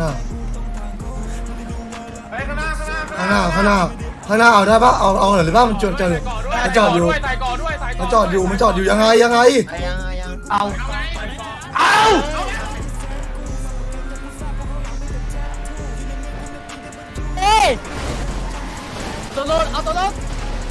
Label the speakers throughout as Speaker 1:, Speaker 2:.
Speaker 1: หน้า
Speaker 2: ไปข้างหน้า
Speaker 1: ข้างหน้าเอาได้ปะเอาหน่อยหรือปะมันจอดอยู่มันจอดอยู่ยังไง
Speaker 3: เอาเอ้ตัวรถเอาตัวรถ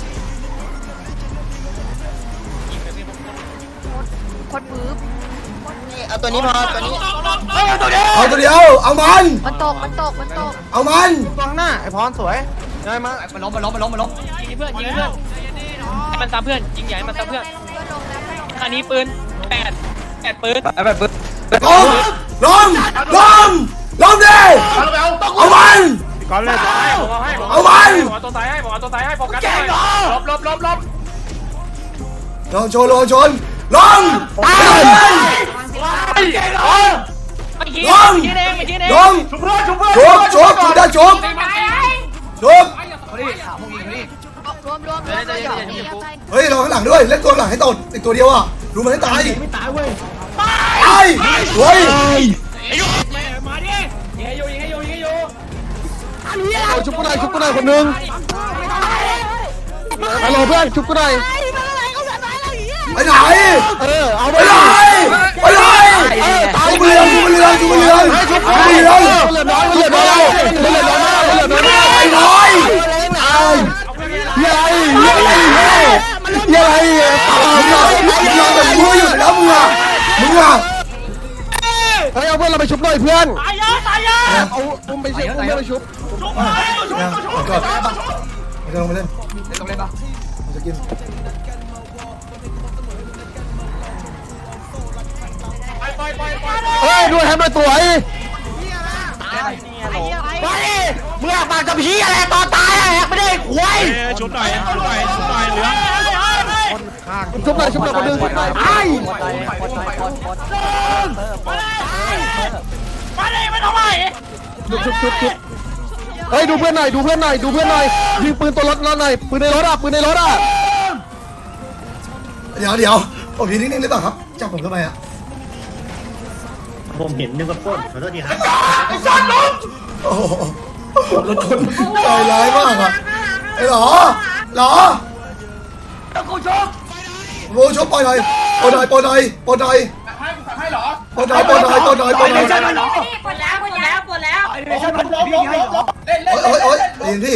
Speaker 3: คนมือเอาตัวนี้พอตัวนี้
Speaker 1: เอาตัวเดียวเอามัน
Speaker 3: มันตก
Speaker 1: เอามัน
Speaker 2: ตรงหน้าไอ้พรสวยได้มามันล้ม
Speaker 4: ยิงเพื่อนให้มันซ้ำเพื่อนยิงใหญ่มันซ้ำเพื่อนอันนี้ปืน8ปืน
Speaker 1: ล้มดิเอามัน
Speaker 2: ก่อนเลย
Speaker 1: เอามัน
Speaker 2: บอกตัวตายให้โฟกัสลบ
Speaker 1: ลองชนล้มชุบได้ชุบเฮ้ยรอข้างหลังด้วยเล่นตัวหลังให้ตดอีกตัวเดียวอ่ะดูมันให้ตาย
Speaker 2: ไม่ตายเว้ย
Speaker 1: ตายเฮ้ย
Speaker 4: มาดิยิงให้อยู่
Speaker 2: ชุบกูหน่อยคนนึงฮัลโหลเพื่อนชุบกูหน่อย
Speaker 1: ไปไหน
Speaker 2: เอาไป
Speaker 1: ไหนชุบเรือไอ้น้อย
Speaker 2: ยัย
Speaker 1: มึงอยู่แล้วมึงอ่ะ
Speaker 2: เฮ้ยเอาเพื่อนเราไปชุบหน่อยเพื่อน
Speaker 4: ตายเยอะ
Speaker 2: เอาอุ้มไปชุบ
Speaker 1: ก่อนไม่ต้องไปเล่นจะกิน
Speaker 2: เฮ้ยด้วยให้มาสวยมาดิมึงปากกับพี่อะไรตอนตายไม่ได้หวย
Speaker 4: ชุบหน่อยเหลือ
Speaker 2: ชุบหน่อยคนนึงไอ้
Speaker 4: มาดิไม่ต้องไป
Speaker 2: ชุบเฮ้ยดูเพื่อนหน่อยยิงปืนตัวรถหน่อยปืนในรถอ่ะ
Speaker 1: เดี๋ยวผมยืนนิ่งๆหรือเปล่าครับจับผมทำไมอ่ะ
Speaker 5: ผมเห็นนึกว่าป้นขอโทษทีครับ
Speaker 1: โอ้โหรถชนใจร้ายมากอ่ะไอ้หรอ
Speaker 2: กูชก
Speaker 1: โว้ชกปล่อยหน่อยปล่อยหน่อย
Speaker 2: ให้หรอ
Speaker 1: ปล่อยหน่อยปล่อย
Speaker 3: ปวดแล้ว
Speaker 2: ไม่ใช่มันพี่ให้หรอ
Speaker 1: โอ๊ยยินพี่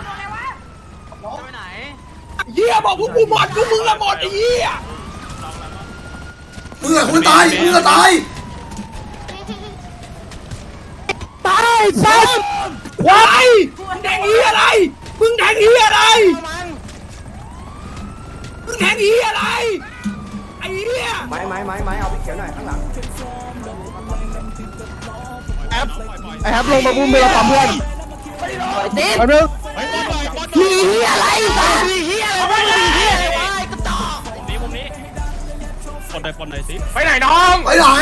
Speaker 2: เหี้ยบอกพวกกูหมดพวกมึงละหมดไอ้เหี้ย
Speaker 1: มึงอะตาย
Speaker 2: ซ้ำควายมึงแทงเหี้ยอะไรไอ้เหี้ยไม้เอาไปเขียวหน่อยข้างหลังไอ้แฮปลงมาบุ้มเบลปั๊มเพื่อนตีนเรื่องเหี้ยอะไร
Speaker 4: ปนไหนสิ
Speaker 2: ไปไหนน้อง
Speaker 1: ไปไหน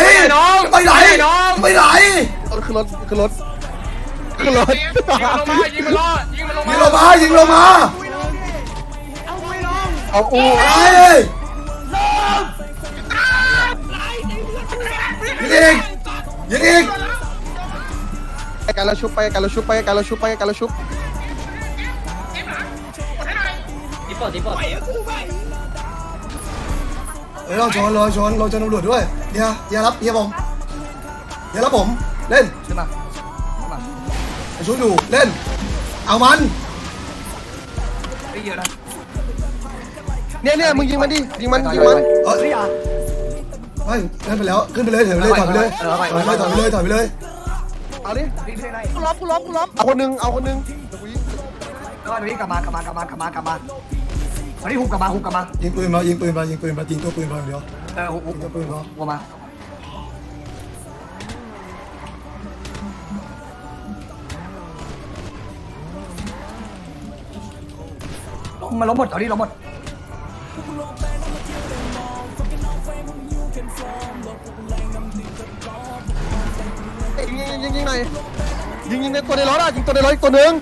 Speaker 2: ขึ้นรถยิงมันลงมาเอาอู
Speaker 1: ยิงอีก
Speaker 2: ไปกันแล้วชุบ
Speaker 4: ตีปอด
Speaker 1: เราชนเราจะตำรวจด้วยอย่ารับผมเล่นใช่ไหมชุดอยู่เล่นเอามัน
Speaker 2: เนี่ยมึงยิงมันดิยิงมัน
Speaker 1: ไม่เล่นไปแล้วขึ้นไปเลยถอยไปเลย
Speaker 2: เอาดิ
Speaker 3: กูล้ม
Speaker 2: เอาคนนึง
Speaker 6: ก็นี้กลับมาวันนี้หุบกลับมา
Speaker 1: ยิงปืนมายิงตัวปืนมาเดี๋ยว
Speaker 6: หุบ
Speaker 1: ตัวปืนมา
Speaker 6: หัวมามันล้มหมดเอาดิล้มหมด
Speaker 2: ยิงหน่อยยิงในตัวในรถอ่ะยิงตัวในรถอีกตัวนึง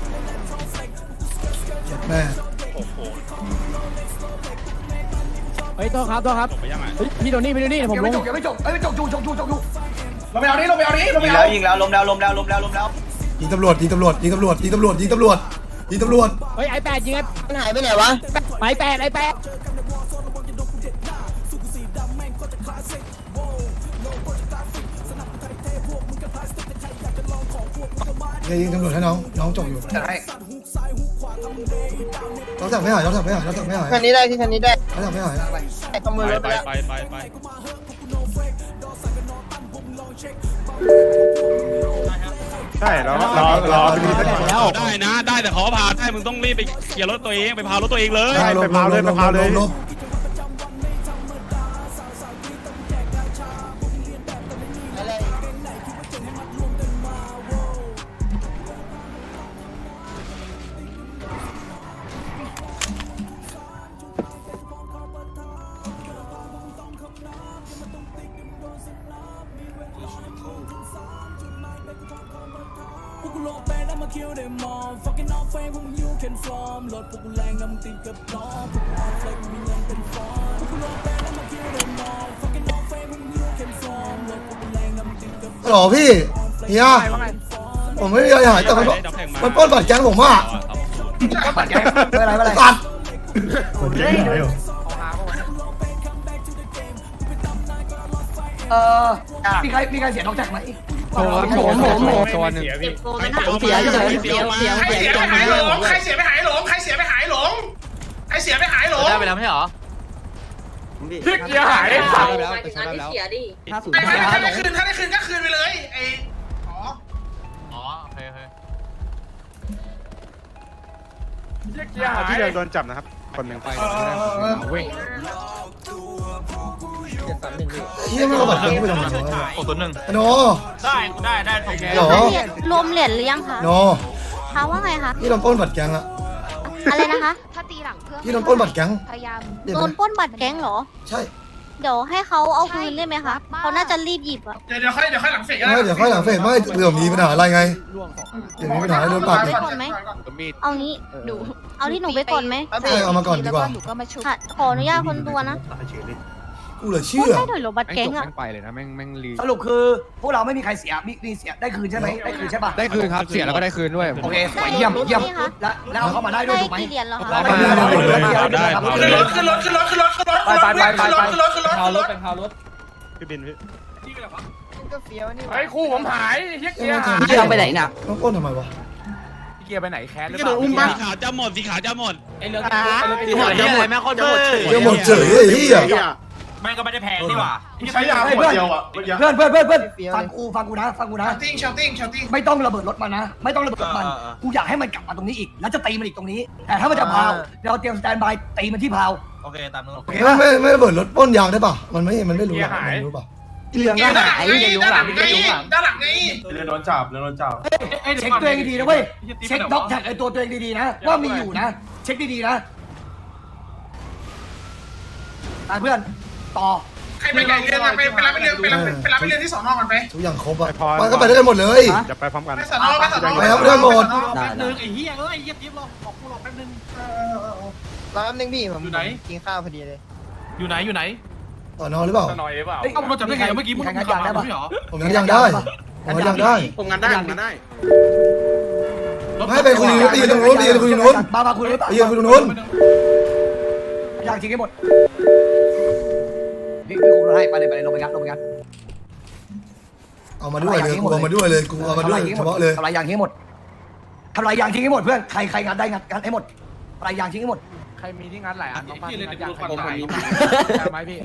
Speaker 1: แม่
Speaker 3: เฮ้ยโทษครับเฮ้ยพี่โดนี่ผม
Speaker 6: ยัง
Speaker 3: ล
Speaker 6: ไม่
Speaker 3: ง
Speaker 6: จบยังไม่จบเอ้ยจบอยู่ลงไปเอานี้ลงไปเอานี้ลงไป
Speaker 5: ยิง
Speaker 6: เอา
Speaker 5: แล้วยิงแล้วล้มแล้วล้มแล้วล้มแล้วล้มแล้ว
Speaker 1: ยิงตำรวจยิงตำรวจยิงตำรวจยิงตำรวจยิงตำรวจยิงตำรวจ
Speaker 3: เฮ้ยไอ้แปดยิงไอ้
Speaker 2: มันหายไปไหนวะ
Speaker 3: ไอ้แปด
Speaker 1: ยิงตำรวจให้น้องจบอยู่
Speaker 6: จะให้
Speaker 1: น้องสั่งไม่หายน้องสั่งไม่หายน้องสั่งไม่หาย
Speaker 2: คันนี้ได้ที่คันนี้ได้
Speaker 1: น้องสั่งไม่หาย
Speaker 2: ขโมยรถไปแล้ว
Speaker 7: ใช่รอ
Speaker 8: ได้นะได้แต่ขอพาได้มึงต้องรีบไปเคลียร์รถตัวเองไปพารถตัวเองเลย
Speaker 7: ไปพาวเลย
Speaker 1: ลบ หรอพี่เฮียผมไม่มีอะไรหายแต่มันปล้นบัตรแก๊งผมอ่ะ
Speaker 6: ปัดแกไม่เป็นไร
Speaker 1: ตัด
Speaker 6: มีใครเสียน้องแจ็คไหม
Speaker 3: ผมตัวนึง
Speaker 2: เสียเฉยเสีย
Speaker 9: ใครเสียไปหายหลงใครเสียไปหายหลงใครเสียไปหายหลงใครเสียไปหายหลง
Speaker 4: ได้ไปแล้วไม่ใช่หรอ
Speaker 7: เสียหายได้สัตว์
Speaker 9: ถ้าได้คืนก็คืนไปเลยไอ้อ๋อ
Speaker 4: โอเค
Speaker 7: เสียหายที่เดินโดนจับนะครับคนหนึ่งไป
Speaker 1: เฮียไม่เอาบัตรแก๊งไปทำไมวะ
Speaker 4: 601
Speaker 1: โน
Speaker 9: ได้ถูก
Speaker 1: หรอ
Speaker 10: รวมเหรียญหรือยังคะ
Speaker 1: โน
Speaker 10: คะว่าไงคะ
Speaker 1: พี่โดนปล้นบัตรแก๊งอะ
Speaker 10: อะไรนะคะ
Speaker 11: ถ้าตีหลังเพื่อน
Speaker 1: พี่โดนปล้นบัตรแก๊ง
Speaker 11: พยายาม
Speaker 10: โดนปล้นบัตรแก๊งเหรอ
Speaker 1: ใช่
Speaker 10: เดี๋ยวให้เขาเอาคืนได้ไหมคะเขาน่าจะรีบหยิบอะ
Speaker 9: เดี๋ยวค่อยหลังเฟก
Speaker 1: ไม่เดี๋ยวค่อยหลังเฟสไม่เผื่อมีปัญหาอะไรไงเดี๋ยวมีปัญหาโดนปรับอีก
Speaker 10: เอางี้
Speaker 11: หนู
Speaker 10: เอาที่หนูไปก่อนไหม
Speaker 1: ใช่เอามาก่อนดีกว่า
Speaker 11: หนูก็มาชุบ
Speaker 10: ค่ะขออนุญาตคนตัวนะ
Speaker 1: กูเหลือ
Speaker 10: พู
Speaker 1: เชื่
Speaker 10: ด
Speaker 1: อ
Speaker 10: ได้หน่อยเหรอบัตรแก๊งอะ
Speaker 3: ไปเลยนะแม่งรี
Speaker 6: สรุปคือพวกเราไม่มีใครเสียมีเสียได้คืนใช่ไหมได้คืนใช่ป่ะ
Speaker 3: ได้คืนครับเสียแล้วก็ได้คืนด้วย
Speaker 6: โอเคสวยเยี่ยมแล้วเอาเข้ามาได้ด้วย
Speaker 10: ได้
Speaker 6: ถูกไหม
Speaker 10: กี่เหรียญแล้วคะ
Speaker 9: ขึ้นรถขึ้นรถพารถเป็นพารถ
Speaker 7: พี่บินพี่
Speaker 2: ก็เฟี้ยวนี่
Speaker 7: ไอ้คู่ผมหายเฮีย
Speaker 2: เกียร์ไปไหนน่ะ
Speaker 1: ต้องปล้นทำไมวะ
Speaker 3: เกียร์ไปไหนแคสหรือ
Speaker 8: ก็
Speaker 3: เป
Speaker 8: โด
Speaker 3: ล่าน
Speaker 8: อุ้มบ้าสีขาวจะหมดสีขาวจะหมด
Speaker 4: ไอ้เรื่องที่หมดเยอะเลยแม่โคตรจะหมด
Speaker 1: เดี๋ยวหมดเฉยไอ้เหี้ย
Speaker 4: แม่ก็ไม่ได้แพงนี่หว่า
Speaker 7: ใช้ยาขวดเดียวอ่ะ
Speaker 6: เพื่อนฟังกูนะ
Speaker 9: ชาวติ้ง
Speaker 6: ไม่ต้องระเบิดรถมันนะไม่ต้องระเบิดรถมันกูอยากให้มันกลับมาตรงนี้อีกแล้วจะตีมันอีกตรงนี้แต่ถ้ามันจะพาวเราเตรียมสแตนบายตีมันที่พาว
Speaker 4: โอเคตามนู้น
Speaker 6: โอเคป่ะ
Speaker 1: ไม่ระเบิดรถปล้นยางได้ป่ะมันไม่รู้หรอกมันรู้ป่ะ
Speaker 2: เหลืองก็หาย
Speaker 9: ด้านหลังไง
Speaker 7: เรือโดนจับ
Speaker 6: เช็คตัวเองดีๆนะเว้ยเช็คด็อกแท็กไอตัวเองดีๆนะว่ามีอยู่นะเช็คดีๆนะเพื่อนต่อ
Speaker 9: ใครไปไกลเรียนไปรับไปเรียนที่สอนอกันไป
Speaker 1: ทุกอย่างครบอ่ะมันก็ไปด้วยกันหมดเลย
Speaker 7: จะไปพร้อมกัน
Speaker 9: ไปสอนอ
Speaker 1: ไปครับเรื่องหมด
Speaker 4: แป๊บนึงไอ้เหี้ยยิบรอขอบกูรอแป๊บนึง
Speaker 2: รอแป๊บนึงพี่ผมกินข้าวพอดีเลย
Speaker 4: อยู่ไหน
Speaker 1: ต่อนอนหรือเปล่า
Speaker 7: หน่อยเปล่า
Speaker 4: เอาเราจับได้ไงเมื่อกี้มึง
Speaker 6: ใครงัดยางได้ปะ
Speaker 4: ไม่หรอ
Speaker 1: ผมยังได้ผมยังได้
Speaker 7: ผมงานได้
Speaker 1: ไม่ไปคุยไปยืนตรงนู้นไปยืนคุยตรงนู้น
Speaker 6: มาคุย
Speaker 1: ไปยืนคุยตรงนู้น
Speaker 6: อยากจริงให้หมดนี่กูให้ไปเลยลงไปงัด
Speaker 1: เอามาด้วยเลยกูเอามาด้วยเลยกูเอามาด้วยเฉพาะเลย
Speaker 6: ทำลายยางทิ้งให้หมดทำลายยางทิ้งให้หมดเพื่อนใครงานได้งัดให้หมดทำลายยางทิ้งให้หมด
Speaker 3: ใครมีที่งัดหลายอันบ้างพี่งัดอย่างผมมีใช่ไหมพี่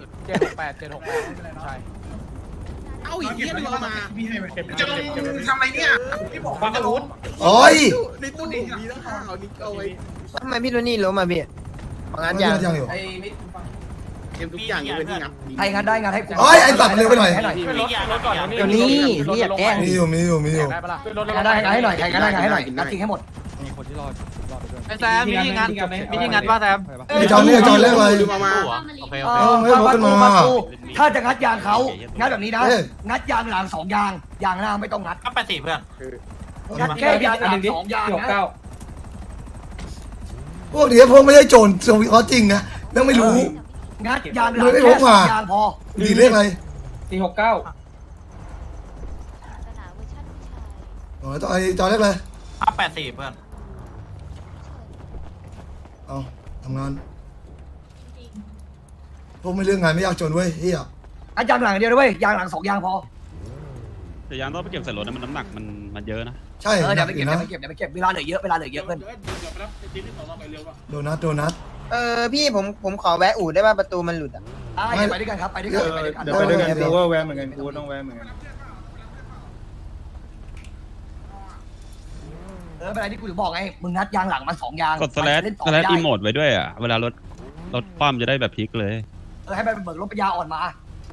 Speaker 3: 768ใช่
Speaker 9: เอาอีกเหี้ยนึงมาจะลงทำอะไรเนี่ยพี่บอกว่าจะรู้
Speaker 1: โอ้ย
Speaker 9: ในตู้นี้มีทั้งข่าวนี่เอาไว้
Speaker 2: ทำไมพี่โดนี่ล้มมาพี่งานยาง
Speaker 1: ยังอยู่
Speaker 9: ทุกอย่างเป็นที่งับ
Speaker 6: ใครงานได้งานให้กู
Speaker 1: โอ้ยไอ้สัตว์เร็วไปหน่อย
Speaker 4: รถก่อน
Speaker 2: เดี๋ยวนี้พี่อยากแกล้ง
Speaker 1: มีอยู่
Speaker 3: ได้ปะล่ะ
Speaker 6: งานได้งานให้หน่อยใครงานได้งานให้หน่อยงัดทิ้งให้หมด
Speaker 3: มีคนที่รอดไปด้วย
Speaker 4: ไอ้แซมมีที่งัดป่ะแซม
Speaker 1: ไอ้จอนเรียกอะไร
Speaker 4: โอเค
Speaker 1: ไม่บอกขึ้นมา
Speaker 6: ถ้าจะงัดยางเขางัดแบบนี้นะงัดยางหลัง2 ยางยางหน้าไม่ต้องงัด
Speaker 4: ก็80เพื่อน
Speaker 6: งัดแค่ยางหลัง2 ยางนะ
Speaker 1: พวกนี้พวกไม่ใช่โจรสวิตจริงนะแม่งไม่รู้
Speaker 6: งัดยางหลังแค่สองยางพอ
Speaker 1: ดีเรียกอะไร
Speaker 3: 469
Speaker 1: อ๋อไอ้จอเรียกอะไร
Speaker 3: 584เพื่อน
Speaker 1: เอาทำงานพวกไม่เรื่องงานไม่ยากจนเว้ยเฮีย
Speaker 6: อันยางหลังเดียวด้วยยางหลัง2ยางพอ
Speaker 8: แต่ยางต้องไปเก็บใส่รถนะมันน้ำหนักมันเยอะนะ
Speaker 1: ใช่
Speaker 6: เดี๋ยวไป
Speaker 1: อ
Speaker 6: เก็บ
Speaker 1: ยู่
Speaker 6: เดี๋ย
Speaker 1: นะ
Speaker 6: วไปเก็บเวลาเหลือเยอะเพื่อน
Speaker 1: โดนัท
Speaker 2: พี่ผมขอแวะอู่ได้ป่ะประตูมันหลุดอ่ะ
Speaker 6: ไปด้วยกันครับไปด้วยกันไปด้วยกัน
Speaker 7: เดี๋ยวไปด้วยกันกูว่าแวะเหมือนกันกูต้องแวะเหมือนกัน
Speaker 6: เป็นไรที่กูถึงบอกไงมึงงัดยางหลังมัน2ยาง
Speaker 8: กดสแลช
Speaker 6: เล่นต่อ
Speaker 8: สแลช
Speaker 6: ได้
Speaker 8: อีโมดไว้ด้วยอ่ะเวลารถคว่ำจะได้แบบพลิกเลย
Speaker 6: ให้ไปเบิกรถปัญญาอ่อนมา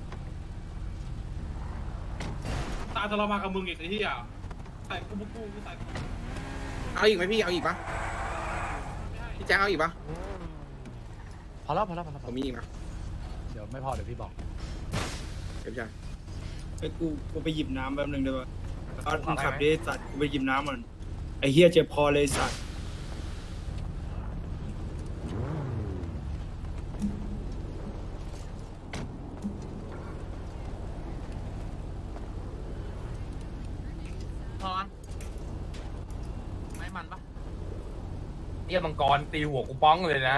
Speaker 9: ตาจะเรามากับมึงอีกไอ้ที่อ่ะใส่กูใส่
Speaker 2: เอาอีกไหมพี่เอาอีกปะพี่แจ๊คเอาอีกปะ
Speaker 3: พอแล้ว
Speaker 2: ผมมีอีกนะ
Speaker 3: เดี๋ยวไม่พอเดี๋ยวพี่บอก
Speaker 2: เดี๋ยวพี่ชาย
Speaker 7: ไอ้กูไปหยิบน้ำแป๊บนึงได้ปะเอามึงขับดิสัตว์กูไปหยิบน้ำมันไอ้เฮียเจ็บคอเลยสัตว์
Speaker 3: พอไม่มันปะ
Speaker 4: เยี่ยมังกรตีหัวกูป้องเลยนะ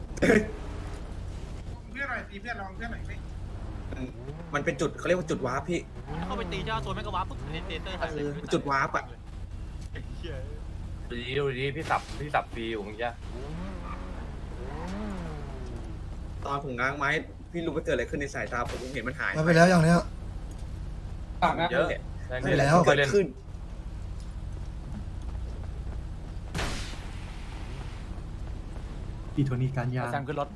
Speaker 9: เพื่อนหน่อยตีเพื่อนลองเพื่อนหน่อยไหม
Speaker 2: มันเป็นจุดเขาเรียกว่าจุดวาร์ปพี่
Speaker 3: เข้าไปตีเจ้าตัวแม่กวาปุ๊บเตเตอร์ทันเลย
Speaker 2: จุดวาร์ปอ่ะ
Speaker 4: ดูดิพี่สับฟีอยู่เมื่อกี้
Speaker 2: ตอนผมง้างไม้พี่รู้ว่าเกิดอะไรขึ้นในสายตาผมเห็นมันหาย
Speaker 1: มาไปแล้วอย่างเนี้ย
Speaker 4: เยอะ
Speaker 1: ไปแล้ว
Speaker 2: เกิดขึ้น
Speaker 3: แซมขึ้นรถ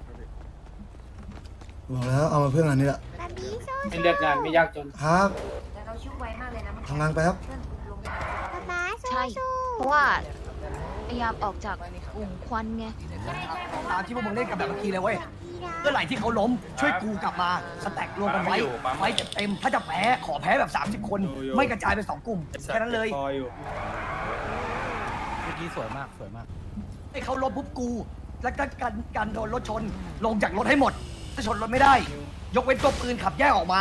Speaker 1: บอกแล้วเอามาเพื่อนงานนี้แหละ
Speaker 3: เป็นเลือกงานไม่ยากจน
Speaker 1: ครับ
Speaker 10: แต่เราชุบไวมากเลยนะ
Speaker 1: ทำงานไปครับ
Speaker 10: ใช่ เพราะว่าพยายามออกจากกลุ่มควันไง
Speaker 6: ตามที่พวกมึงเล่นกันแบบเมื่อกี้เลยเว้ยเมื่อไหร่ที่เขาล้มช่วยกูกลับมาสแต็กรวมกันไว้ไว้เต็มถ้าจะแพ้ขอแพ้แบบ30คนไม่กระจายเป็น2กลุ่มแค่นั้นเลย
Speaker 7: คออยู่
Speaker 3: เมื่อกี้สวยมาก
Speaker 6: ให้เขาล้มปุ๊บกู แล้วก็การโดนรถชนลงจากรถให้หมดถ้าชนรถไม่ได้ ยกเว้นตัวปืนขับแยกออกมา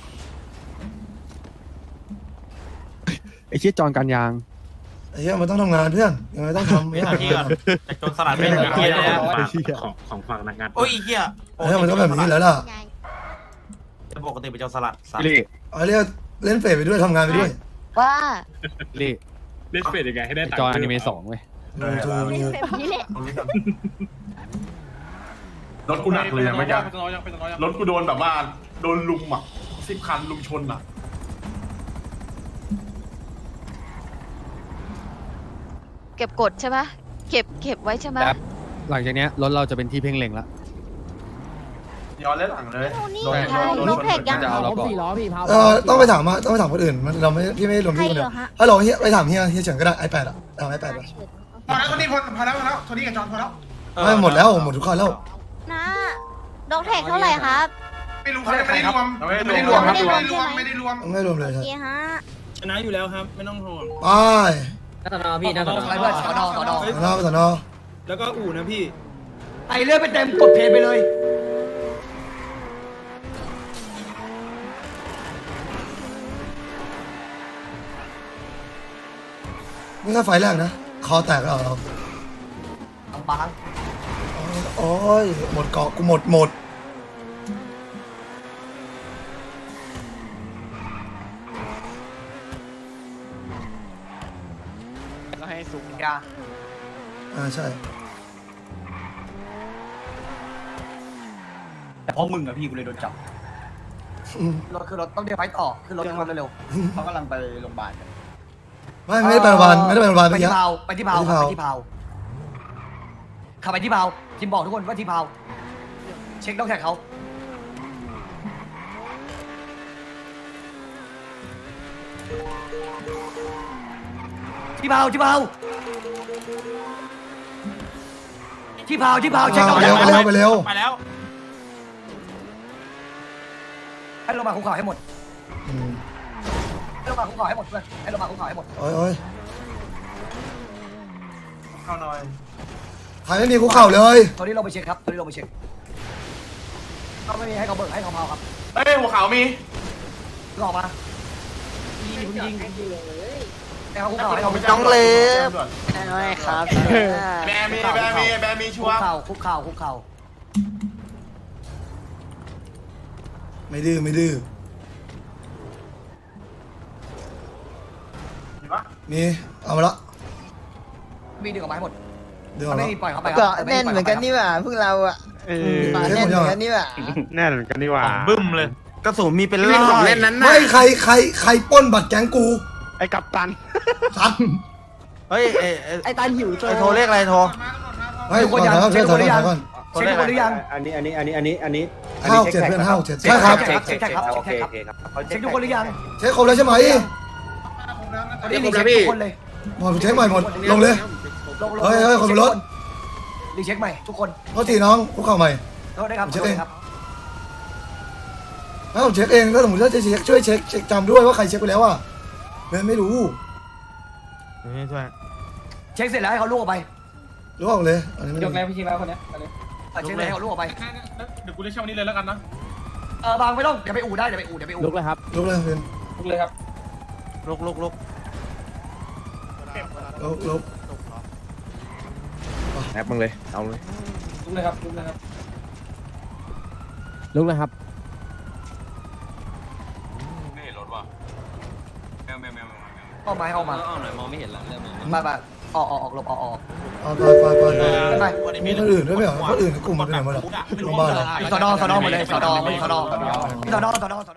Speaker 2: ไอ้เชี่ยจอนการยาง
Speaker 1: ไอ้เหี้ยมันต้องทำงานเพื่อนยังไงต้องทำไม่ทำ
Speaker 3: แต่จนสลัดไม่ได้เกียร์เลย
Speaker 8: ของฝั่งนักงาน
Speaker 3: โอ้ยเกียร์
Speaker 1: เฮ้ยมันต้องแบบนี้แล้วล่ะ
Speaker 3: ปกติเป็นจนสลัด
Speaker 1: เอาเรียกเล่นเฟซไปด้วยทำงานไปด้วย
Speaker 10: ว่า
Speaker 8: เล่นเฟสยังไงให้ได้ตังค์
Speaker 2: จออนิเมะ2เว้ย
Speaker 1: ถูก
Speaker 10: แบบนี้แหละ
Speaker 9: รถกูหนักเลยไม่ยากรถกูโดนแบบว่าโดนลุมอ่ะ10 คันลุมชนอ่ะ
Speaker 10: เก็บกดใช่ปะเก็บไว้ใช่ไหม
Speaker 2: หลังจากเนี้ยรถเราจะเป็นที่เพ่งเล็งละ
Speaker 9: ย้อนเล่นหลังเลย
Speaker 10: นี่ใช่รถแท็กยัง
Speaker 2: จะเอาเราก่อน
Speaker 1: ต้องไปถามคนอื่นมันเราไม่พี่ไม่รวม
Speaker 10: ใคร
Speaker 1: พี่คน
Speaker 10: เห
Speaker 1: เดี
Speaker 10: ร
Speaker 1: ยว
Speaker 10: อฮะ
Speaker 1: ฮัลโหลเฮียไปถามเฮียเฉินก็ได้ iPad อะเอา iPad ไป
Speaker 9: พอแล้วคนนี้พอแล้วโทนี่กับจอนพอแล้ว
Speaker 1: ไม่หมดแล้วหมดทุกคนแล้ว
Speaker 10: นะดอกแท็กเท่าไหร่ครับ
Speaker 9: ไม่รู้เขาไม่ได้รวมไม่ได้รวมเลย
Speaker 10: โอเคฮะ
Speaker 7: ชนะอยู่แล้วครับไม่ต้องห่วง
Speaker 1: ไป
Speaker 6: พี่นะอะไรเพื่อนสอนอ
Speaker 1: สนอ
Speaker 7: แล้วก็อู่นะพี่
Speaker 6: ไอเลื่อนไปเต็มกดเพลย์ไปเลย
Speaker 1: นี่แค่ไฟแรกนะคอแตกแล้วเรา
Speaker 6: บาง
Speaker 1: โอ้ยหมดเกาะกูหมด
Speaker 6: ก็ให้สูงยา
Speaker 1: ใช่
Speaker 6: แต่เพราะมึงอะพี่กูเลยโดนจับรถคือรถต้องเดี๋ยวไปต่อขึ้นรถเร็วเขากำลังไปโรงพยาบาล
Speaker 1: ไม่ได้ไปโรงพยาบาลไม่ได้ไปโรงพยาบาล
Speaker 6: ไป
Speaker 1: เมื่อกี้
Speaker 6: ที่เผาไปที่เผาขับไปที่เผาขับไปที่เผาทีมบอกทุกคนว่าที่เผาเช็คต้องแท็กเขาที่เผาที่เผาเช็คต้อง
Speaker 1: ไป
Speaker 6: แท็
Speaker 1: เร็
Speaker 6: ก
Speaker 1: ว
Speaker 6: เขา
Speaker 1: ไปเร็ว
Speaker 3: ไปแล้ว
Speaker 6: ให้ลงมาคุกเข่าให้หมดให้ลงมาคุกเข่าให้หมดเพื่อนให้ลงมาคุกเข่าให้หมด
Speaker 1: โอ้ย
Speaker 9: เข้าหน่อย
Speaker 1: ใครไม่มีคุกเข่าเลย
Speaker 6: ตอนนี้เราไปเช็คครับตอนนี้เราไปเช็คก็ไม่มีให้เขาเบิกให้เขาเผาครับ
Speaker 9: เฮ้ยหัวขาวมี
Speaker 6: ออกมายิงให้เขาคุกเข่าให้เขา
Speaker 2: น้องเล็บ
Speaker 3: ไม่ครับ
Speaker 9: แบมีชัวร์
Speaker 6: คุกเข่า
Speaker 1: ไม่ดื้อไม่ดื้อมีเอามาละ
Speaker 6: มีดึงออกมาให้หมด
Speaker 1: เดี๋ยว
Speaker 6: มัน
Speaker 1: ละ
Speaker 6: ไม่มีปล่อยเขาไป
Speaker 2: ก็แน่นเหมือนกันนี่หว่าพวกเราอ่ะแน่นเหมือนกันนี่หว่า
Speaker 8: แน่นกันนี่หว่า
Speaker 2: บึ้มเลยกระสุนมีเป็นร้อยเล่นนั้น
Speaker 1: ไม่ใครปล้นบัตรแก๊งกู
Speaker 8: ไอ้กัปตัน
Speaker 1: สัตว์
Speaker 2: เฮ้ยไอ้ตันหิวโทรเลขอะไรโทร
Speaker 1: เฮ้ยก่อนนะครับช่วยถอยก่อน
Speaker 6: เช็คคนหรือยัง
Speaker 7: อันนี้
Speaker 1: ห้าวเจ็ดเพื่อนห้าวเจ็ดใช่ครับ
Speaker 6: เช็คครับเช็คทุกคนหรือยัง
Speaker 1: เช็คครบแล้วใช่ไหม
Speaker 6: วันนี้รีเช็คทุกคนเลย
Speaker 1: หมดเช็คใหม่หมดลงเลย เฮ้ยคนบนรถ
Speaker 6: รีเช็คใหม่ทุกคน
Speaker 1: โทษทีน้องคุกเข่าใหม่
Speaker 6: โทษได้ครับ
Speaker 1: เช็คเอง ถ้าผมเช็คเองถ้าสมมติว่าจะเช็คช่วยเช็คจำด้วยว่าใครเช็คไปแล้วอ่ะไม่รู้
Speaker 6: เช็คเสร็จแล้วให้เขาลูกออกไป
Speaker 1: รู้ออกเลยอันนี้ไม่
Speaker 4: ย
Speaker 1: รู้
Speaker 4: กแล้วพี่ชีมาคนเนี้ย
Speaker 6: เช็คเลยให้เขาลูกออกไป
Speaker 9: เดี๋ยวกูเรียกเช่านี้เลยแล้วกันนะ
Speaker 6: บางไม่ต้องเดี๋ยวไปอู่ได้เดี๋ยวไปอู่
Speaker 2: ลุกเลยครับ
Speaker 1: ลุกเลยเพื่อน
Speaker 4: ลุกเลยครับ
Speaker 2: ลุก
Speaker 1: ลุก
Speaker 2: แอปมึงเลยเอาเลย
Speaker 4: ลุกเลยครับลุกเลยครับ
Speaker 2: ลุกเลยครับ
Speaker 9: ไม่เห็นรถว่ะแมว
Speaker 6: ออกมาให้ออกมา
Speaker 4: เอาหน่อยมองไม่เห็นละเริ่มมอง
Speaker 6: มาออกหลบออก
Speaker 1: เอาไปมีคนอื่นด้วยไหมเหรอคนอื่นในกลุ่มมันเป็นยังไงบ้างโรงพยาบาล
Speaker 6: สอนอหมดเลยสอนอ